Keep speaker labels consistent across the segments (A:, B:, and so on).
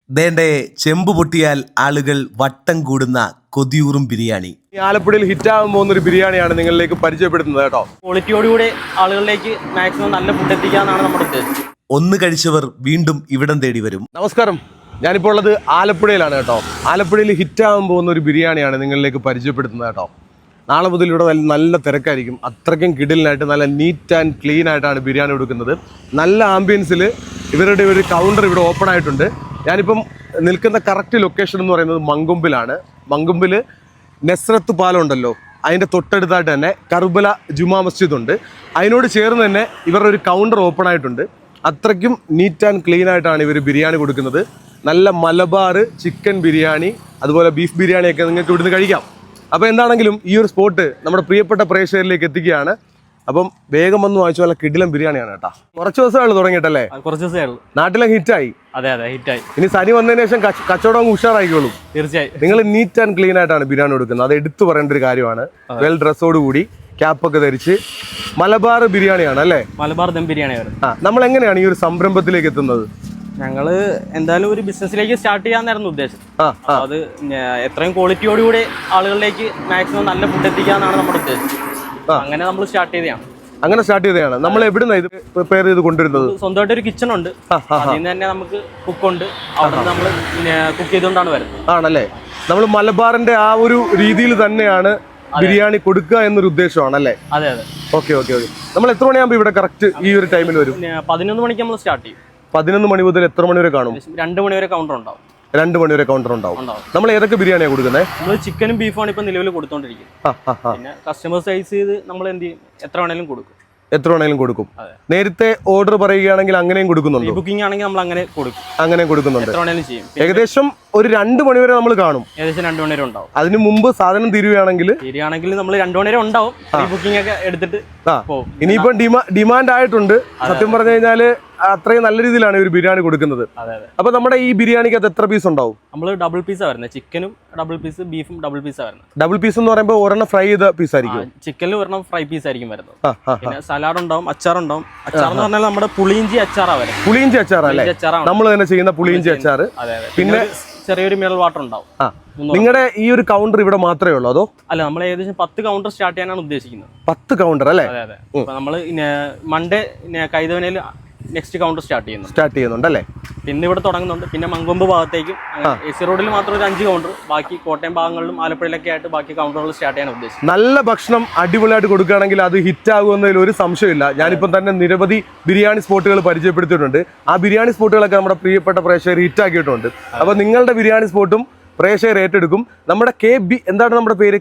A: ദേണ്ടേ ചെമ്പ് പൊട്ടിയാൽ ആളുകൾ വട്ടം കൂടുന്ന കൊതിയൂറും ബിരിയാണി.
B: ആലപ്പുഴയിൽ ഹിറ്റാകാൻ പോകുന്ന ഒരു ബിരിയാണിയാണ് നിങ്ങളിലേക്ക് പരിചയപ്പെടുത്തുന്നത് കേട്ടോ.
C: ക്വാളിറ്റിയോടുകൂടി ആളുകളിലേക്ക് മാക്സിമം നല്ല ഫുഡ് എത്തിക്കാന്നാണ് നമ്മുടെ ഉദ്ദേശം.
A: ഒന്ന് കഴിച്ചവർ വീണ്ടും ഇവിടം തേടി വരും.
B: നമസ്കാരം, ഞാനിപ്പോൾ ഉള്ളത് ആലപ്പുഴയിലാണ് കേട്ടോ. ആലപ്പുഴയിൽ ഹിറ്റാകാൻ പോകുന്ന ഒരു ബിരിയാണിയാണ് നിങ്ങളിലേക്ക് പരിചയപ്പെടുത്തുന്നത് കേട്ടോ. നാളെ മുതൽ ഇവിടെ നല്ല തിരക്കായിരിക്കും. അത്രയ്ക്കും കിടിലിനായിട്ട് നല്ല നീറ്റ് ആൻഡ് ക്ലീൻ ആയിട്ടാണ് ബിരിയാണി കൊടുക്കുന്നത്. നല്ല ആംബിയൻസിൽ ഇവരുടെ ഒരു കൗണ്ടർ ഇവിടെ ഓപ്പൺ ആയിട്ടുണ്ട്. ഞാനിപ്പം നിൽക്കുന്ന കറക്റ്റ് ലൊക്കേഷൻ എന്ന് പറയുന്നത് മങ്കൊമ്പിലാണ്. മങ്കൊമ്പിൽ നെസ്രത്ത് പാലം ഉണ്ടല്ലോ, അതിൻ്റെ തൊട്ടടുത്തായിട്ട് തന്നെ കർബല ജുമാ മസ്ജിദ് ഉണ്ട്. അതിനോട് ചേർന്ന് തന്നെ ഇവരുടെ ഒരു കൗണ്ടർ ഓപ്പൺ ആയിട്ടുണ്ട്. അത്രയ്ക്കും നീറ്റ് ആൻഡ് ക്ലീൻ ആയിട്ടാണ് ഇവർ ബിരിയാണി കൊടുക്കുന്നത്. നല്ല മലബാർ ചിക്കൻ ബിരിയാണി, അതുപോലെ ബീഫ് ബിരിയാണിയൊക്കെ നിങ്ങൾക്ക് ഇവിടുന്ന് കഴിക്കാം. അപ്പോൾ എന്താണെങ്കിലും ഈ ഒരു സ്പോട്ട് നമ്മുടെ പ്രിയപ്പെട്ട പ്രേക്ഷകരിലേക്ക് എത്തിക്കുകയാണ്. അപ്പം വേഗം വന്ന് വാങ്ങിച്ചു. നല്ല കിടിലം ബിരിയാണിയാണ് കേട്ടോ. കുറച്ച് ദിവസമാണ് തുടങ്ങിയിട്ടല്ലേ?
C: കുറച്ച് ദിവസമേ ഉള്ളൂ.
B: നാട്ടിലെ ഹിറ്റായി.
C: അതെ ഹിറ്റായി.
B: ഇനി സനി വന്നതിന് ശേഷം കച്ചവടം ഉഷാറായിക്കോളും.
C: തീർച്ചയായും.
B: നിങ്ങൾ നീറ്റ് ആൻഡ് ക്ലീൻ ആയിട്ടാണ് ബിരിയാണി കൊടുക്കുന്നത്. അത് എടുത്തു പറയേണ്ട ഒരു കാര്യമാണ്. വെൽ ഡ്രസ്സോട് കൂടി ക്യാപ്പൊക്കെ ധരിച്ച് മലബാർ ബിരിയാണിയാണ് അല്ലേ?
C: മലബാർ ദം ബിരിയാണി.
B: നമ്മൾ എങ്ങനെയാണ് ഈ ഒരു സംരംഭത്തിലേക്ക് എത്തുന്നത്?
C: ഞങ്ങള് എന്തായാലും ഒരു ബിസിനസ്സിലേക്ക് സ്റ്റാർട്ട് ചെയ്യാന്നായിരുന്നു ഉദ്ദേശം. അത് എത്രയും ക്വാളിറ്റിയോടുകൂടി ആളുകളിലേക്ക് മാക്സിമം നല്ല ഫുഡ് എത്തിക്കാന്നാണ് നമ്മുടെ ഉദ്ദേശം. അങ്ങനെ നമ്മൾ സ്റ്റാർട്ട് ചെയ്തതാണ്. നമ്മൾ എവിടുന്ന ഇത് പ്രിപ്പയർ ചെയ്ത് കൊണ്ടുവരുന്നത്? സ്വന്തമായിട്ട് ഒരു കിച്ചൺ ഉണ്ട്. അതിൽ നിന്ന് തന്നെ നമുക്ക് കുക്കുണ്ട്. അവിടെ നമ്മൾ കുക്ക് ചെയ്തുകൊണ്ടാണ് വരുന്നത്. ആണല്ലേ? നമ്മൾ മലബാറിന്റെ ആ ഒരു രീതിയിൽ തന്നെയാണ് ബിരിയാണി കൊടുക്കുക എന്നൊരു ഉദ്ദേശമാണല്ലേ? അതെ. ഓക്കെ. നമ്മൾ എത്ര മണിയാകുമ്പോൾ ഇവിടെ കറക്റ്റ് ഈ ഒരു ടൈമിൽ വരും? 11 മണിക്ക് നമ്മൾ സ്റ്റാർട്ട് ചെയ്യും.
B: 11 മണി മുതൽ എത്ര മണി വരെ കാണും?
C: 2 മണി വരെ കൗണ്ടർ ഉണ്ടാവും.
B: 2 മണി വരെ കൗണ്ടർ ഉണ്ടാവും. നമ്മൾ ഏതൊക്കെ ബിരിയാണിയാണ് കൊടുക്കുന്നത്?
C: നമ്മൾ ചിക്കനും ബീഫാണ് ഇപ്പൊ നിലവിൽ കൊടുത്തോണ്ടിരിക്കുന്നത്. പിന്നെ കസ്റ്റമർ സൈസ് ചെയ്ത് നമ്മൾ എന്ത് ചെയ്യും, എത്ര വേണേലും കൊടുക്കും. നേരത്തെ ഓർഡർ പറയുകയാണെങ്കിൽ അങ്ങനെയും കൊടുക്കുന്നുണ്ട്. ബുക്കിംഗ് ആണെങ്കിൽ നമ്മൾ അങ്ങനെ
B: കൊടുക്കുന്നുണ്ട്.
C: എത്ര വേണേലും ചെയ്യും.
B: ഏകദേശം ഒരു 2 മണി വരെ നമ്മൾ കാണും.
C: ഏകദേശം 2 മണി വരെ ഉണ്ടാവും.
B: അതിന് മുമ്പ് സാധനം തീരുകയാണെങ്കിൽ
C: നമ്മൾ 2 മണി വരെ ഉണ്ടാവും. ബുക്കിംഗ് ഒക്കെ എടുത്തിട്ട്
B: ഇനിയിപ്പം ഡിമാൻഡ് ആയിട്ടുണ്ട്. സത്യം പറഞ്ഞു കഴിഞ്ഞാല് അത്രയും നല്ല രീതിയിലാണ് ഇവർ ബിരിയാണി കൊടുക്കുന്നത്. അപ്പൊ നമ്മുടെ ഈ ബിരിയാണിക്ക് അത് എത്ര പീസ് ഉണ്ടാവും?
C: നമ്മൾ ഡബിൾ പീസാ വരുന്നത്. ചിക്കനും ഡബിൾ പീസ്, ബീഫും ഡബിൾ പീസാ വരുന്നത്.
B: ഡബിൾ പീസ് എന്ന് പറയുമ്പോൾ ഒരെണ്ണം ഫ്രൈ ചെയ്ത പീസ് ആയിരിക്കും.
C: ചിക്കനിൽ ഒരെണ്ണം ഫ്രൈ പീസ് ആയിരിക്കും വരുന്നത്. പിന്നെ സലാഡ് ഉണ്ടാവും, അച്ചാറുണ്ടാവും. അച്ചാർ എന്ന് പറഞ്ഞാൽ നമ്മുടെ പുളിയിഞ്ചി അച്ചാറാ വരുന്നത്.
B: പുളിയിഞ്ചി അച്ചാറല്ലേ? നമ്മൾ തന്നെ ചെയ്യുന്ന പുളിയിഞ്ചി അച്ചാർ. പിന്നെ
C: ചെറിയൊരു മിനറൽ വാട്ടർ ഉണ്ടാവും.
B: നിങ്ങളുടെ ഈ ഒരു കൗണ്ടർ ഇവിടെ മാത്രമേ ഉള്ളൂ അതോ?
C: അല്ല, നമ്മൾ ഏകദേശം 10 കൗണ്ടർ സ്റ്റാർട്ട് ചെയ്യാനാണ് ഉദ്ദേശിക്കുന്നത്. 10
B: കൗണ്ടർ അല്ലേ?
C: അതെ. നമ്മൾ മൺഡേ കൈതവനയിൽ നെക്സ്റ്റ് കൗണ്ടർ സ്റ്റാർട്ട്
B: ചെയ്യുന്നുണ്ടല്ലേ?
C: പിന്നെ ഇവിടെ തുടങ്ങുന്നുണ്ട്. പിന്നെ മങ്കൊമ്പ് ഭാഗത്തേക്കും എസി റോഡിൽ മാത്രം ഒരു 5 കൗണ്ടർ, ബാക്കി കോട്ടയം ഭാഗങ്ങളിലും ആലപ്പുഴയിലൊക്കെ ആയിട്ട് ബാക്കി കൗണ്ടറുകൾ സ്റ്റാർട്ട് ചെയ്യാൻ ഉദ്ദേശിച്ചു.
B: നല്ല ഭക്ഷണം അടിപൊളിയായിട്ട് കൊടുക്കുകയാണെങ്കിൽ അത് ഹിറ്റ് ആകുമെന്നതിൽ ഒരു സംശയമില്ല. ഞാനിപ്പം തന്നെ നിരവധി ബിരിയാണി സ്പോട്ടുകൾ പരിചയപ്പെടുത്തിയിട്ടുണ്ട്. ആ ബിരിയാണി സ്പോട്ടുകളൊക്കെ നമ്മുടെ പ്രിയപ്പെട്ട പ്രേക്ഷകർ ഹിറ്റ് ആക്കിയിട്ടുണ്ട്. അപ്പോൾ നിങ്ങളുടെ ബിരിയാണി സ്പോട്ടും പ്രേക്ഷകർ ഏറ്റെടുക്കും. നമ്മുടെ എന്താണ് നമ്മുടെ പേര്?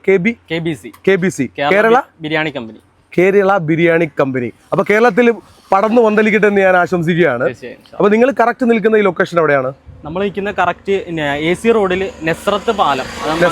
B: KBC Kerala biryani company. അപ്പൊ കേരളത്തിൽ പടർന്നു വന്നലിക്കട്ടെ എന്ന് ഞാൻ ആശംസിക്കുകയാണ്. അപ്പൊ നിങ്ങൾ കറക്റ്റ് നിൽക്കുന്ന ഈ ലൊക്കേഷൻ എവിടെയാണ്?
C: നമ്മൾ നിൽക്കുന്ന കറക്റ്റ് AC റോഡിൽ നെസ്രത്ത് പാലം,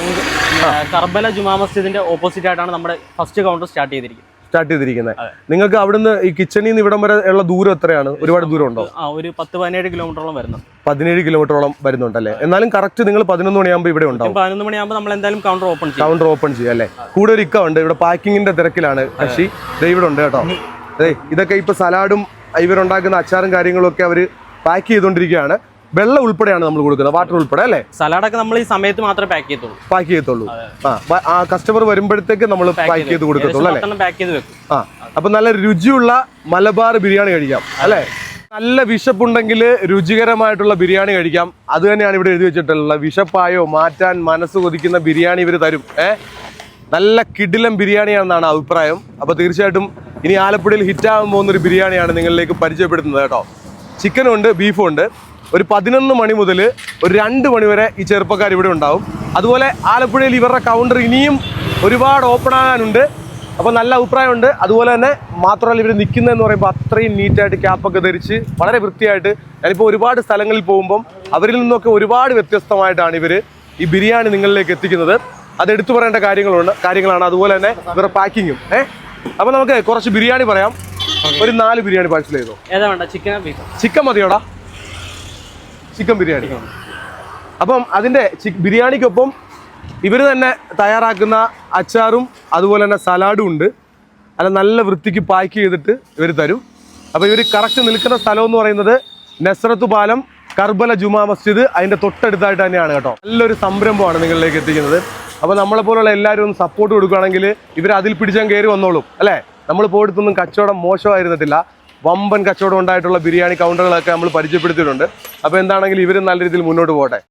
C: കർബല ജുമാ മസ്ജിദിന്റെ ഓപ്പോസിറ്റ് ആയിട്ടാണ് നമ്മുടെ ഫസ്റ്റ് കൗണ്ടർ സ്റ്റാർട്ട് ചെയ്തിരിക്കുന്നത്. നിങ്ങൾക്ക് അവിടുന്ന് ഈ കിച്ചണിൽ നിന്ന് ഇവിടം വരെ ഉള്ള ദൂരം എത്രയാണ്? ഒരുപാട് ദൂരം ഉണ്ടോ? ഒരു 10-17 കിലോമീറ്ററോളം വരുന്നു. 17 കിലോമീറ്ററോളം വരുന്നുണ്ടല്ലേ? എന്നാലും കറക്റ്റ് നിങ്ങൾ 11 മണിയാകുമ്പോൾ ഇവിടെ ഉണ്ടാവും. 11 മണിയാകുമ്പോൾ നമ്മൾ എന്തായാലും കൗണ്ടർ ഓപ്പൺ ചെയ്യും അല്ലേ? കൂടെ ഒരു ഇക്ക ഉണ്ട് ഇവിടെ, പാക്കിങ്ങിന്റെ തിരക്കിലാണ് കക്ഷി. ഇവിടെ ഉണ്ട് കേട്ടോ. ഇതൊക്കെ ഇപ്പൊ സലാഡും ഇവരുണ്ടാക്കുന്ന അച്ചാറും കാര്യങ്ങളും ഒക്കെ അവർ പാക്ക് ചെയ്തുകൊണ്ടിരിക്കുകയാണ്. വെള്ളം ഉൾപ്പെടെയാണ് നമ്മൾ കൊടുക്കുന്നത്, വാട്ടർ ഉൾപ്പെടെ അല്ലേ? സലാഡൊക്കെ നമ്മൾ ഈ സമയത്ത് മാത്രമേ പാക്ക് ചെയ്യത്തുള്ളൂ.
B: ആ കസ്റ്റമർ വരുമ്പോഴത്തേക്ക് നമ്മൾ പാക്ക് ചെയ്ത് കൊടുക്കത്തുള്ളൂ അല്ലേ? അപ്പൊ നല്ല രുചിയുള്ള മലബാർ ബിരിയാണി കഴിക്കാം അല്ലേ? നല്ല വിശപ്പുണ്ടെങ്കിൽ രുചികരമായിട്ടുള്ള ബിരിയാണി കഴിക്കാം. അത് തന്നെയാണ് ഇവിടെ എഴുതി വെച്ചിട്ടുള്ളത്. വിശപ്പായോ മാറ്റാൻ മനസ്സ് കൊതിക്കുന്ന ബിരിയാണി ഇവർ തരും. നല്ല കിടിലം ബിരിയാണിയാണെന്നാണ് അഭിപ്രായം. അപ്പോൾ തീർച്ചയായിട്ടും ഇനി ആലപ്പുഴയിൽ ഹിറ്റാകാൻ പോകുന്നൊരു ബിരിയാണിയാണ് നിങ്ങളിലേക്ക് പരിചയപ്പെടുത്തുന്നത് കേട്ടോ. ചിക്കനും ഉണ്ട്, ബീഫും ഉണ്ട്. ഒരു 11 മണി മുതൽ ഒരു 2 മണി വരെ ഈ ചെറുപ്പക്കാർ ഇവിടെ ഉണ്ടാവും. അതുപോലെ ആലപ്പുഴയിൽ ഇവരുടെ കൗണ്ടർ ഇനിയും ഒരുപാട് ഓപ്പൺ ആകാനുണ്ട്. അപ്പോൾ നല്ല അഭിപ്രായമുണ്ട്. അതുപോലെ തന്നെ മാത്രമല്ല, ഇവർ നിൽക്കുന്നതെന്ന് പറയുമ്പോൾ അത്രയും നീറ്റായിട്ട് ക്യാപ്പൊക്കെ ധരിച്ച് വളരെ വൃത്തിയായിട്ട്. ഞാനിപ്പോൾ ഒരുപാട് സ്ഥലങ്ങളിൽ പോകുമ്പം അവരിൽ നിന്നൊക്കെ ഒരുപാട് വ്യത്യസ്തമായിട്ടാണ് ഇവർ ഈ ബിരിയാണി നിങ്ങളിലേക്ക് എത്തിക്കുന്നത്. അത് എടുത്തു പറയേണ്ട കാര്യങ്ങളാണ്. അതുപോലെ തന്നെ ഇവരുടെ പാക്കിങ്ങും. അപ്പോൾ നമുക്ക് കുറച്ച് ബിരിയാണി പറയാം. ഒരു 4 ബിരിയാണി പാഴ്സൽ ചെയ്തോ? ചിക്കൻ മതിയോടാ? ചിക്കൻ ബിരിയാണി. അപ്പം അതിൻ്റെ ബിരിയാണിക്കൊപ്പം ഇവർ തന്നെ തയ്യാറാക്കുന്ന അച്ചാറും അതുപോലെ തന്നെ സലാഡും ഉണ്ട്. അല്ല, നല്ല വൃത്തിക്ക് പാക്ക് ചെയ്തിട്ട് ഇവർ തരും. അപ്പോൾ ഇവർ കറക്റ്റ് നിൽക്കുന്ന സ്ഥലം എന്ന് പറയുന്നത് നെസ്രത്ത് പാലം കർബല ജുമാ മസ്ജിദ് അതിന്റെ തൊട്ടടുത്തായിട്ട് തന്നെയാണ് കേട്ടോ. നല്ലൊരു സംരംഭമാണ് നിങ്ങളിലേക്ക് എത്തിക്കുന്നത്. അപ്പോൾ നമ്മളെ പോലുള്ള എല്ലാവരും ഒന്ന് സപ്പോർട്ട് കൊടുക്കുകയാണെങ്കിൽ ഇവർ അതിൽ പിടിച്ചാൽ കയറി വന്നോളും അല്ലേ. നമ്മൾ പോയിടത്തൊന്നും കച്ചവടം മോശമായിരുന്നിട്ടില്ല. വമ്പൻ കച്ചവടം ഉണ്ടായിട്ടുള്ള ബിരിയാണി കൗണ്ടറുകളൊക്കെ നമ്മൾ പരിചയപ്പെടുത്തിയിട്ടുണ്ട്. അപ്പോൾ എന്താണെങ്കിലും ഇവരും നല്ല രീതിയിൽ മുന്നോട്ട് പോകട്ടെ.